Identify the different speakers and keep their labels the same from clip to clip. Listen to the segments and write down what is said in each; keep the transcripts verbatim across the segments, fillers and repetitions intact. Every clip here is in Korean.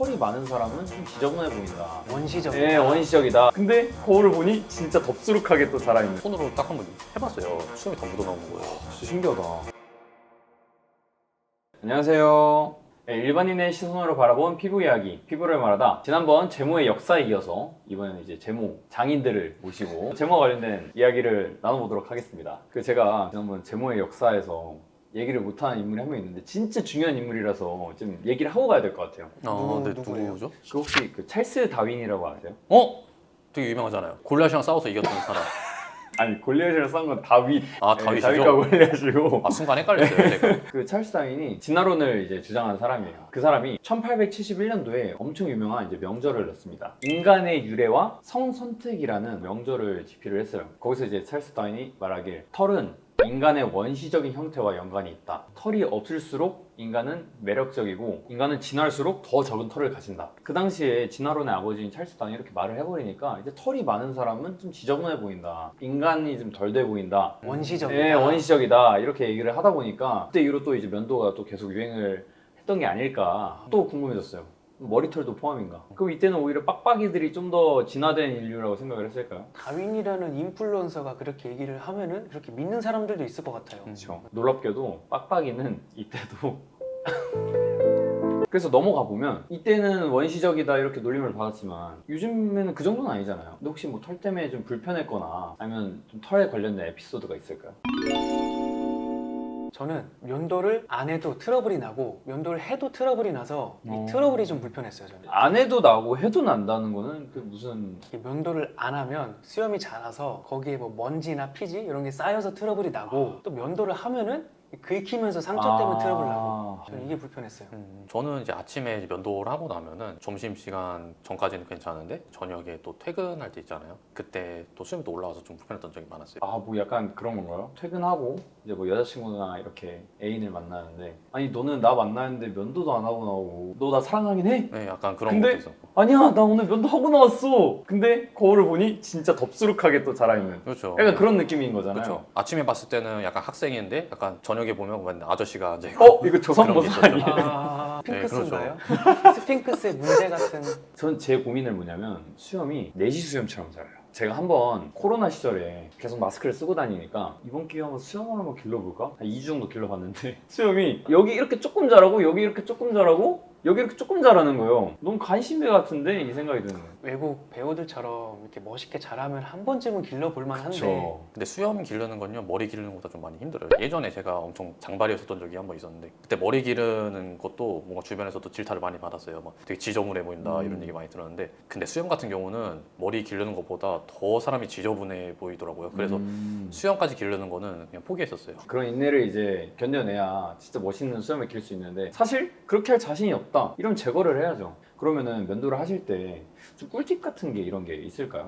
Speaker 1: 털이 많은 사람은 좀 지저분해 보인다.
Speaker 2: 원시적이다.
Speaker 1: 네, 원시적이다. 근데 거울을 보니 진짜 덥수룩하게 또 자라있는.
Speaker 3: 손으로 딱 한번 해봤어요. 수염이 다 묻어나오는 거예요.
Speaker 1: 진짜 신기하다. 안녕하세요. 네, 일반인의 시선으로 바라본 피부 이야기, 피부를 말하다. 지난번 제모의 역사에 이어서 이번에는 이제 제모 장인들을 모시고 제모와 관련된 이야기를 나눠보도록 하겠습니다. 그 제가 지난번 제모의 역사에서 얘기를 못하는 인물이 한 명 있는데 진짜 중요한 인물이라서 좀 얘기를 하고 가야 될 것 같아요.
Speaker 3: 아,
Speaker 2: 누구,
Speaker 3: 네,
Speaker 2: 누구예요?
Speaker 3: 누구죠?
Speaker 1: 그 혹시 그 찰스 다윈이라고 아세요?
Speaker 3: 어? 되게 유명하잖아요. 골리앗이랑 싸워서 이겼던 사람.
Speaker 1: 아니 골리앗이랑 싸운 건 다윗.
Speaker 3: 아,
Speaker 1: 네,
Speaker 3: 다윗이죠?
Speaker 1: 다윗과 골리앗이고.
Speaker 3: 아, 순간 헷갈렸어요, 제가.
Speaker 1: 그 찰스 다윈이 진화론을 이제 주장한 사람이에요. 그 사람이 천팔백칠십일 년도에 엄청 유명한 이제 명절을 냈습니다. 인간의 유래와 성선택이라는 명절을 집필을 했어요. 거기서 이제 찰스 다윈이 말하길 털은 인간의 원시적인 형태와 연관이 있다. 털이 없을수록 인간은 매력적이고 인간은 진할수록 더 적은 털을 가진다. 그 당시에 진화론의 아버지인 찰스 다윈이 이렇게 말을 해버리니까 이제 털이 많은 사람은 좀 지저분해 보인다. 인간이 좀 덜 돼 보인다.
Speaker 2: 원시적이다.
Speaker 1: 네, 원시적이다. 이렇게 얘기를 하다 보니까 그때 이후로 또 이제 면도가 또 계속 유행을 했던 게 아닐까 또 궁금해졌어요. 머리털도 포함인가? 그럼 이때는 오히려 빡빡이들이 좀 더 진화된 인류라고 생각을 했을까요?
Speaker 2: 다윈이라는 인플루언서가 그렇게 얘기를 하면은 그렇게 믿는 사람들도 있을 것 같아요.
Speaker 1: 그렇죠. 놀랍게도 빡빡이는 이때도 그래서 넘어가 보면 이때는 원시적이다 이렇게 놀림을 받았지만 요즘에는 그 정도는 아니잖아요. 근데 혹시 뭐 털 때문에 좀 불편했거나 아니면 좀 털에 관련된 에피소드가 있을까요?
Speaker 2: 저는 면도를 안 해도 트러블이 나고 면도를 해도 트러블이 나서
Speaker 1: 어.
Speaker 2: 이 트러블이 좀 불편했어요. 저는.
Speaker 1: 안 해도 나고 해도 난다는 거는 그 무슨
Speaker 2: 이게 면도를 안 하면 수염이 자라서 거기에 뭐 먼지나 피지 이런 게 쌓여서 트러블이 나고 또 면도를 하면은 긁히면서 상처 때문에
Speaker 1: 아.
Speaker 2: 트러블 나고 저는 이게 불편했어요.
Speaker 3: 음, 저는 이제 아침에 이제 면도를 하고 나면은 점심시간 전까지는 괜찮은데 저녁에 또 퇴근할 때 있잖아요. 그때 또 수염이 또 올라와서 좀 불편했던 적이 많았어요.
Speaker 1: 아 뭐 약간 그런 건가요? 퇴근하고 이제 뭐 여자친구나 이렇게 애인을 만나는데 아니 너는 나 만나는데 면도도 안 하고 나오고 너 나 사랑하긴 해?
Speaker 3: 네, 약간 그런
Speaker 1: 근데
Speaker 3: 것도 있었고.
Speaker 1: 아니야 나 오늘 면도 하고 나왔어. 근데 거울을 보니 진짜 덥수룩하게 또 자라있는
Speaker 3: 그렇죠.
Speaker 1: 약간 그런 느낌인 거잖아요.
Speaker 3: 그렇죠. 아침에 봤을 때는 약간 학생인데 약간 저녁에 보면 완전 아저씨가 앉아 있고.
Speaker 1: 어? 이거 조선모사
Speaker 3: 그런 게 있었죠.
Speaker 1: 아니에요?
Speaker 2: 아,
Speaker 3: 네,
Speaker 2: 스핑크스인가요? 스핑크스의 문제 같은.
Speaker 1: 전 제 고민은 뭐냐면 수염이 내시 수염처럼 자라요. 제가 한번 코로나 시절에 계속 마스크를 쓰고 다니니까 이번 기회에 한번 수염을 한번 길러볼까? 한 이 주 정도 길러봤는데 수염이 여기 이렇게 조금 자라고 여기 이렇게 조금 자라고 여기 이렇게 조금 자라는 거예요. 너무 간신배 같은데 이 생각이 드는 거예요.
Speaker 2: 외국 배우들처럼 이렇게 멋있게 자라면 한 번쯤은 길러볼 만한데
Speaker 1: 그렇죠.
Speaker 3: 근데 수염 기르는 건요 머리 기르는 것보다 좀 많이 힘들어요. 예전에 제가 엄청 장발이었었던 적이 한 번 있었는데 그때 머리 기르는 것도 뭔가 주변에서도 질타를 많이 받았어요. 막 되게 지저분해 보인다
Speaker 1: 음.
Speaker 3: 이런 얘기 많이 들었는데 근데 수염 같은 경우는 머리 기르는 것보다 더 사람이 지저분해 보이더라고요. 그래서
Speaker 1: 음.
Speaker 3: 수염까지 기르는 거는 그냥 포기했었어요.
Speaker 1: 그런 인내를 이제 견뎌내야 진짜 멋있는 수염을 길 수 있는데 사실 그렇게 할 자신이 없다 이러면 제거를 해야죠. 그러면은 면도를 하실 때 좀 꿀팁 같은 게 이런 게 있을까요?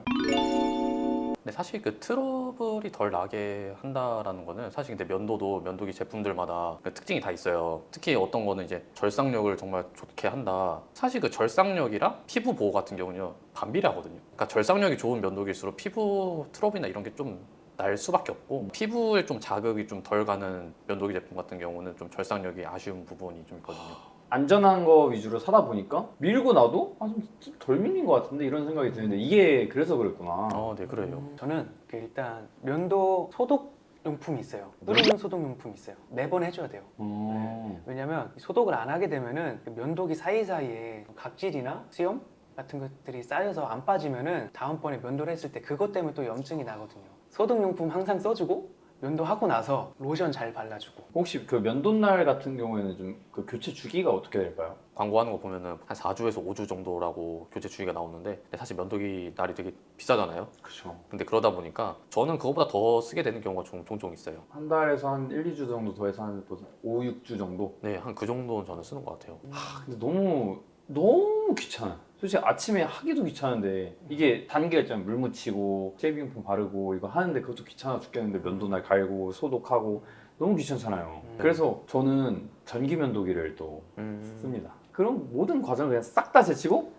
Speaker 3: 근데 사실 그 트러블이 덜 나게 한다라는 거는 사실 근데 면도도 면도기 제품들마다 그 특징이 다 있어요. 특히 어떤 거는 이제 절삭력을 정말 좋게 한다. 사실 그 절삭력이랑 피부 보호 같은 경우는요 반비례하거든요. 그러니까 절삭력이 좋은 면도기일수록 피부 트러블이나 이런 게 좀 날 수밖에 없고 피부에 좀 자극이 좀 덜 가는 면도기 제품 같은 경우는 좀 절삭력이 아쉬운 부분이 좀 있거든요.
Speaker 1: 안전한 거 위주로 사다 보니까 밀고 나도 아, 좀 덜 밀린 것 같은데 이런 생각이 드는데 이게 그래서 그랬구나.
Speaker 3: 어, 네 그래요.
Speaker 2: 음, 저는 그 일단 면도 소독 용품이 있어요. 뿌리는 소독 용품이 있어요. 매번 해줘야 돼요.
Speaker 1: 어...
Speaker 2: 왜냐면 소독을 안 하게 되면은 그 면도기 사이사이에 각질이나 수염 같은 것들이 쌓여서 안 빠지면은 다음번에 면도를 했을 때 그것 때문에 또 염증이 나거든요. 소독 용품 항상 써주고 면도하고 나서 로션 잘 발라주고.
Speaker 1: 혹시 그 면도날 같은 경우에는 좀 그 교체 주기가 어떻게 될까요?
Speaker 3: 광고하는 거 보면은 한 사 주에서 오 주 정도라고 교체 주기가 나오는데 근데 사실 면도기 날이 되게 비싸잖아요.
Speaker 1: 그렇죠.
Speaker 3: 근데 그러다 보니까 저는 그거보다 더 쓰게 되는 경우가 종, 종종 있어요.
Speaker 1: 한 달에서 한 일, 이 주 정도 더해서 한 오, 육 주 정도?
Speaker 3: 네, 한 그 정도는 저는 쓰는 것 같아요.
Speaker 1: 아, 근데 너무 너무 귀찮아요. 솔직히 아침에 하기도 귀찮은데 이게 단계가 있잖아요. 물 묻히고 쉐이빙폼 바르고 이거 하는데 그것도 귀찮아 죽겠는데 면도날 갈고 소독하고 너무 귀찮잖아요.
Speaker 2: 음.
Speaker 1: 그래서 저는 전기 면도기를 또
Speaker 3: 음...
Speaker 1: 씁니다. 그럼 모든 과정을 그냥 싹 다 제치고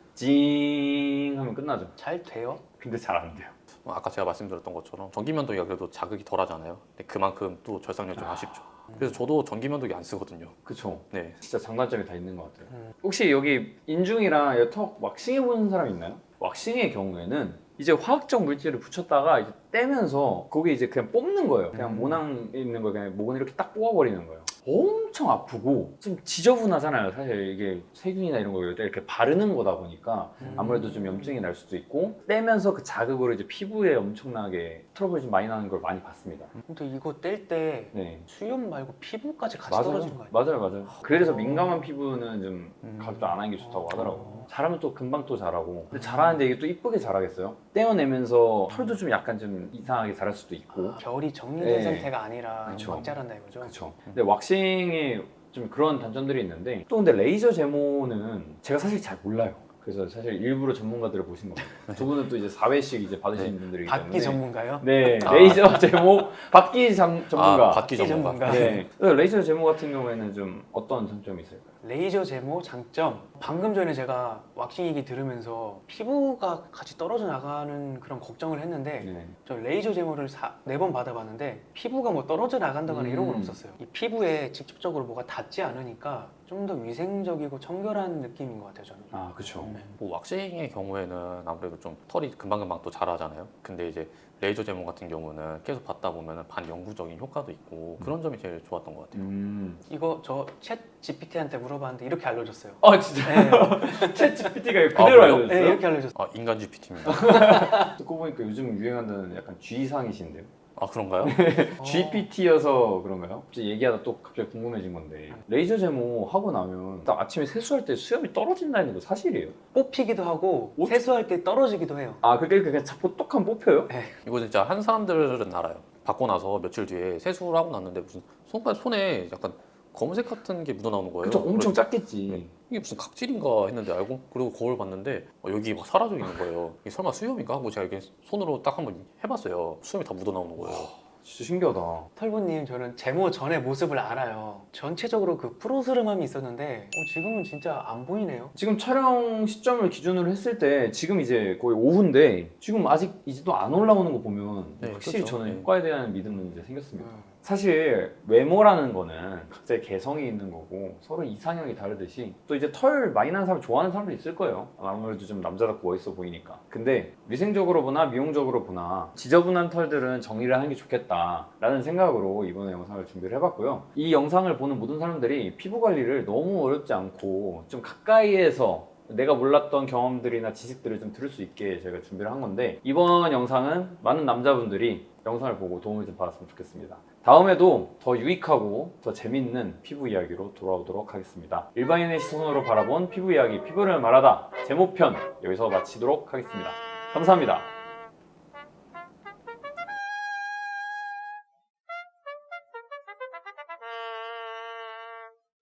Speaker 1: 징 하면 끝나죠.
Speaker 2: 잘 돼요?
Speaker 1: 근데 잘 안 돼요.
Speaker 3: 아까 제가 말씀드렸던 것처럼 전기 면도기가 그래도 자극이 덜 하잖아요. 근데 그만큼 또 절삭력이 좀
Speaker 1: 아.
Speaker 3: 아쉽죠. 그래서 저도 전기 면도기 안 쓰거든요.
Speaker 1: 그쵸.
Speaker 3: 네.
Speaker 1: 진짜 장단점이 다 있는 것 같아요.
Speaker 2: 음.
Speaker 1: 혹시 여기 인중이랑 턱 왁싱해 보는 사람 있나요? 왁싱의 경우에는 이제 화학적 물질을 붙였다가 이제 떼면서 거기 이제 그냥 뽑는 거예요. 그냥
Speaker 2: 음.
Speaker 1: 모낭 있는 거 그냥 목은 이렇게 딱 뽑아버리는 거예요. 엄청 아프고 좀 지저분하잖아요. 사실 이게 세균이나 이런 거 이렇게 바르는 거다 보니까 아무래도 좀 염증이 날 수도 있고 떼면서 그 자극으로 이제 피부에 엄청나게 트러블이 좀 많이 나는 걸 많이 봤습니다.
Speaker 2: 근데 이거 뗄 때
Speaker 1: 네.
Speaker 2: 수염 말고 피부까지 같이
Speaker 1: 맞아요.
Speaker 2: 떨어지는 거 아니에요?
Speaker 1: 맞아요, 맞아요. 그래서
Speaker 2: 어.
Speaker 1: 민감한 피부는 좀
Speaker 2: 음.
Speaker 1: 가급적 안 하는 게 좋다고 하더라고요.
Speaker 2: 어.
Speaker 1: 잘하면 또 금방 또 자라고. 근데 잘하는데 이게 또 이쁘게 자라겠어요? 떼어내면서 털도 좀 약간 좀 이상하게 자랄 수도 있고.
Speaker 2: 결이 정리된
Speaker 1: 네.
Speaker 2: 상태가 아니라
Speaker 1: 그쵸.
Speaker 2: 막 자란다 이거죠?
Speaker 1: 그렇죠. 근데 왁싱이 좀 그런 단점들이 있는데 또 근데 레이저 제모는 제가 사실 잘 몰라요. 그래서 사실 일부러 전문가들을 보신 겁니다. 두 분은 또 이제 사 회씩 이제 받으시는
Speaker 3: 네.
Speaker 1: 분들이기 때문에.
Speaker 2: 받기 전문가요?
Speaker 1: 네,
Speaker 3: 아.
Speaker 1: 레이저 제모 받기 장, 전문가.
Speaker 3: 아, 받기
Speaker 2: 받기
Speaker 3: 전문가.
Speaker 2: 전문가.
Speaker 1: 네. 그래서 레이저 제모 같은 경우에는 좀 어떤 장점이 있을까요?
Speaker 2: 레이저 제모 장점. 방금 전에 제가 왁싱 얘기 들으면서 피부가 같이 떨어져 나가는 그런 걱정을 했는데
Speaker 1: 네.
Speaker 2: 저 레이저 제모를 네 번 받아봤는데 피부가 뭐 떨어져 나간다거나 이런 건
Speaker 1: 음.
Speaker 2: 없었어요. 이 피부에 직접적으로 뭐가 닿지 않으니까 좀 더 위생적이고 청결한 느낌인 것 같아요, 저는.
Speaker 1: 아, 그렇죠.
Speaker 2: 네.
Speaker 3: 뭐 왁싱의 경우에는 아무래도 좀 털이 금방금방 또 자라잖아요. 근데 이제 레이저 제모 같은 경우는 계속 받다 보면 반영구적인 효과도 있고 그런 점이 제일 좋았던 것 같아요.
Speaker 1: 음.
Speaker 2: 이거 저 챗 지피티한테 물어봤는데 이렇게 알려줬어요.
Speaker 1: 아, 진짜.
Speaker 2: 네,
Speaker 1: 챗 지피티가
Speaker 3: 아,
Speaker 1: 그대로
Speaker 3: 그래요?
Speaker 1: 알려줬어요?
Speaker 2: 네, 이렇게 알려줬어요.
Speaker 3: 아, 인간 지피티입니다.
Speaker 1: 듣고 보니까 요즘 유행하는 약간 G상이신데요?
Speaker 3: 아, 그런가요?
Speaker 2: 어.
Speaker 1: 지피티여서 그런가요? 갑자기 얘기하다 또 갑자기 궁금해진 건데 레이저 제모 하고 나면 딱 아침에 세수할 때 수염이 떨어진다는 거 사실이에요?
Speaker 2: 뽑히기도 하고
Speaker 1: 어?
Speaker 2: 세수할 때 떨어지기도 해요.
Speaker 1: 아 그게 그냥 보톡한 뽑혀요?
Speaker 3: 이거 진짜 한 사람들은 알아요. 받고 나서 며칠 뒤에 세수를 하고 났는데 무슨 손가 손에 약간 검은색 같은 게 묻어 나오는 거예요.
Speaker 1: 그쵸, 엄청
Speaker 3: 그래서
Speaker 1: 작겠지.
Speaker 3: 이게 무슨 각질인가 했는데 알고 그리고 거울 봤는데 어, 여기 막 사라져 있는 거예요. 이게 설마 수염인가 하고 제가 이렇게 손으로 딱 한번 해봤어요. 수염이 다 묻어 나오는 거예요.
Speaker 1: 진짜 신기하다.
Speaker 2: 털보님, 저는 제모 전의 모습을 알아요. 전체적으로 그 푸르스름함이 있었는데 어, 지금은 진짜 안 보이네요.
Speaker 1: 지금 촬영 시점을 기준으로 했을 때 지금 이제 거의 오후인데 지금 아직 이제 또 안 올라오는 거 보면
Speaker 3: 네,
Speaker 1: 확실히
Speaker 3: 그렇죠.
Speaker 1: 저는
Speaker 3: 네.
Speaker 1: 효과에 대한 믿음은 이제 생겼습니다.
Speaker 2: 음.
Speaker 1: 사실 외모라는 거는 각자의 개성이 있는 거고 서로 이상형이 다르듯이 또 이제 털 많이 나는 사람 좋아하는 사람도 있을 거예요. 아무래도 좀 남자답고 멋있어 보이니까. 근데 위생적으로 보나 미용적으로 보나 지저분한 털들은 정리를 하는 게 좋겠다라는 생각으로 이번에 영상을 준비를 해봤고요. 이 영상을 보는 모든 사람들이 피부 관리를 너무 어렵지 않고 좀 가까이에서 내가 몰랐던 경험들이나 지식들을 좀 들을 수 있게 저희가 준비를 한 건데 이번 영상은 많은 남자분들이 영상을 보고 도움을 좀 받았으면 좋겠습니다. 다음에도 더 유익하고 더 재밌는 피부 이야기로 돌아오도록 하겠습니다. 일반인의 시선으로 바라본 피부 이야기, 피부를 말하다 제모편 여기서 마치도록 하겠습니다. 감사합니다.